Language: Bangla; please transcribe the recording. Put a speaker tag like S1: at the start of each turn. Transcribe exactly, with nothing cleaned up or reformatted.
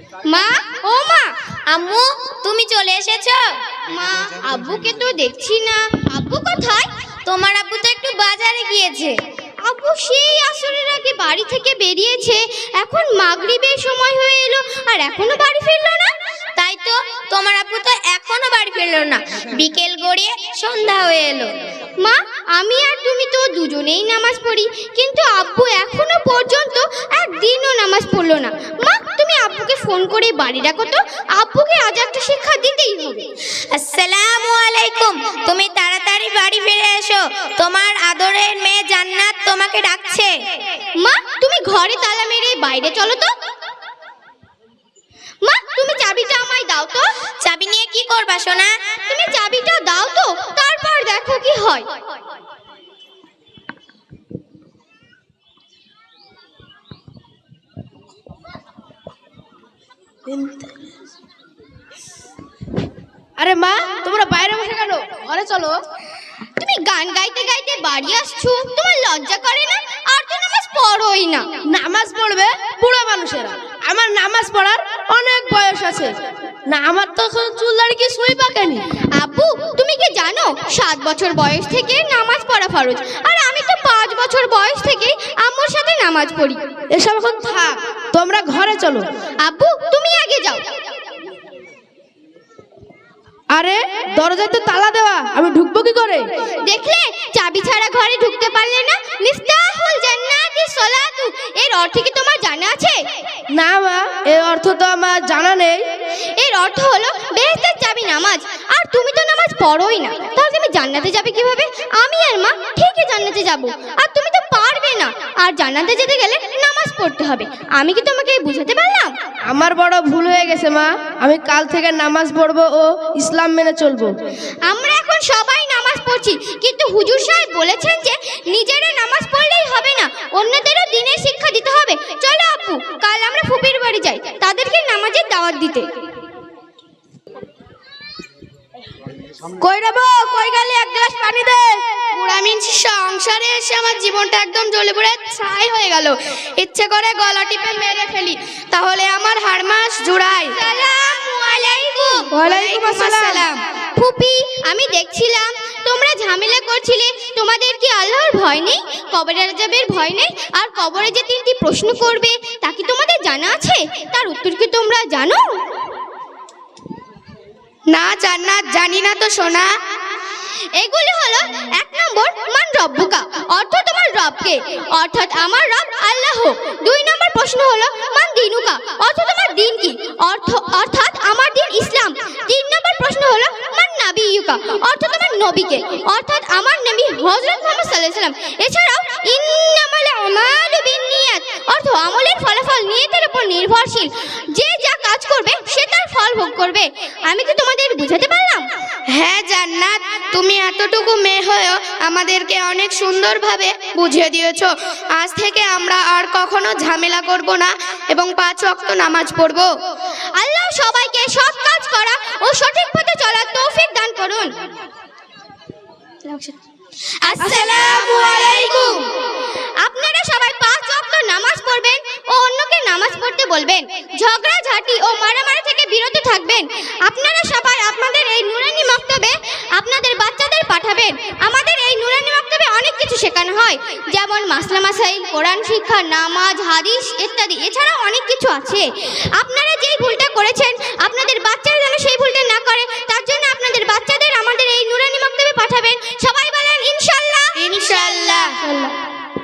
S1: মা, ও মা,
S2: আম্মু তুমি চলে এসেছো?
S1: মা আব্বুকে তো দেখছি না। আব্বু কোথায়?
S2: তোমার আব্বু তো একটু বাজারে গিয়েছে।
S1: আব্বু সেই আসরের আগে বাড়ি থেকে বেরিয়েছে, এখন মাগরিবের সময় হয়ে এলো আর এখনো বাড়ি ফিরলো না।
S2: তাই তো, তোমার আব্বু তো এখনো বাড়ি ফিরলো না। বিকেল গড়িয়ে সন্ধ্যা হয়ে এলো।
S1: মা, আমি আর তুমি তো দুজনেই নামাজ পড়ি, কিন্তু আব্বু এখনো পর্যন্ত একদিনও নামাজ পড়লো না। মা, তুমি আব্বুকে ফোন করে বাড়ি ডাকো তো, আব্বুকে আজ একটা শিক্ষা দিতেই হবে।
S2: আসসালামু আলাইকুম, তুমি তাড়াতাড়ি বাড়ি ফিরে এসো, তোমার আদরের মেয়ে জান্নাত তোমাকে ডাকছে।
S1: মা, তুমি ঘরে তালা মেরে বাইরে চলো তো। মা, তুমি চাবিটা আমায় দাও তো।
S2: চাবি নিয়ে কি করবা সোনা?
S1: তুমি চাবিটা দাও তো, তারপর দেখো কি হয়।
S3: আরে মা, তোমরা বাইরে বসে কেন? ঘরে চলো।
S1: তুমি গান গাইতে গাইতে বাড়ি আসছো, তোমার লজ্জা করে না? আর তো নামাজ পড়োই না।
S3: নামাজ পড়বে বুড়ো মানুষেরা, আমার নামাজ পড়ার অনেক বয়স আছে না। আমার তো এখন চুল দাড়ি কি সুই পাকেনি।
S1: আব্বু, তুমি কি জানো সাত বছর বয়স থেকে নামাজ পড়া ফরজ, আর আমি তো পাঁচ বছর বয়স থেকে আম্মুর সাথে নামাজ পড়ি।
S3: এসব এখন থাক, তোমরা ঘরে চলো।
S1: আব্বু, তুমি আগে যাও।
S3: আরে দরজায় তো তালা দেওয়া, আমি ঢুকবো কি করে?
S1: দেখলে, চাবি ছাড়া ঘরে ঢুকতে পারলে না। মিফতাহুল জান্নাতি সলাতু, এর অর্থ কি তোমার জানা আছে?
S3: না মা, এর অর্থ তো আমার জানা নেই।
S1: এর অর্থ হলো বেহেশতের চাবি নামাজ, আর তুমি তো নামাজ পড়োই না, তাহলে তুমি জান্নাতে যাবে কিভাবে? আমি আর মা ঠিকই জান্নাতে যাব, আর তুমি তো পারবে না। আর জান্নাতে যেতে গেলে নামাজ পড়তে হবে। আমি কি তোমাকে বুঝাতে পারলাম?
S3: আমার বড় ভুল হয়ে গেছে মা, আমি কাল থেকে নামাজ পড়বো ও ইসলাম মেনে চলবো।
S1: আমরা এখন সবাই নামাজ পড়ছি, কিন্তু হুজুর সাহেব বলেছেন যে নিজেরা নামাজ পড়লেই হবে না, অন্যদেরও দিনের শিক্ষা দিতে হবে। চলো আপু, কাল আমরা ফুপির বাড়ি যাই তাদেরকে নামাজের দাওয়াত দিতে।
S3: কই রে বউ, কই গেলি? এক গ্লাস পানি দে।
S2: বুড়ামিন সংসারে এসে আমার জীবনটা একদম জ্বলে পুড়ে ছাই হয়ে গেল। ইচ্ছে করে গলা টিপে মেরে ফেলি, তাহলে আমার হাড় মাস জুড়াই।
S1: আসসালামু আলাইকুম।
S3: ওয়ালাইকুম আসসালাম।
S1: ফুপি, আমি দেখছিলাম তোমরা ঝামেলা করছিলে, তোমাদের কি আল্লাহর ভয় নেই? কবরের আযাবের ভয় নেই? আর কবরে যে তিনটি প্রশ্ন করবে তা কি তোমাদের জানা আছে? তার উত্তর কি তোমরা জানো?
S2: না জান্নাত, জানি না তো সোনা।
S1: এগুলি হলো এক নম্বর, মান রব্বুকা, অর্থ তোমার রবকে, অর্থাৎ আমার রব আল্লাহ। দুই নম্বর প্রশ্ন হলো মান দিনুকা, অর্থ তোমার দিন কি, অর্থ অর্থাৎ আমার দিন ইসলাম। তিন নম্বর প্রশ্ন হলো মান নাবিয়ুকা, অর্থ তোমার নবীকে, অর্থাৎ আমার নবী হযরত মুহাম্মদ সাল্লাল্লাহু আলাইহি ওয়াসাল্লাম। এছাড়াও ইন্নামাল আমালু বিন্নিয়াত, অর্থ আমলের ফলাফল নিয়তের উপর নির্ভরশীল, যে যা কাজ করবে সে তার ফল ভোগ করবে। আমি কি তোমাদের বুঝাতে পারলাম?
S2: হ্যাঁ জান্নাত, তুমি এতটুকু মেয়ে হয়েও আমাদেরকে অনেক সুন্দরভাবে বুঝিয়ে দিয়েছো। আজ থেকে আমরা আর কখনো ঝামেলা করব না এবং পাঁচ ওয়াক্ত নামাজ পড়বো।
S1: আল্লাহ সবাইকে সৎ কাজ করা ও সঠিক পথে চলার তৌফিক দান করুন। আসসালামু আলাইকুম। আপনারা সবাই পাঁচ ওয়াক্ত নামাজ পড়বেন ও অন্যকে নামাজ পড়তে বলবেন। ঝগড়া ঝাঁটি ও মারামারি থেকে বিরত থাকবেন। আপনারা সবাই আপনাদের এই নুরানি মক্তবে আপনাদের বাচ্চাদের পাঠাবেন। আমাদের এই নুরানি মক্তবে অনেক কিছু শেখানো হয়, যেমন মাসলা মাসাইল, কোরআন শিক্ষা, নামাজ, হাদিস ইত্যাদি। এছাড়াও অনেক কিছু আছে। আপনারা যেই ভুলটা করেছেন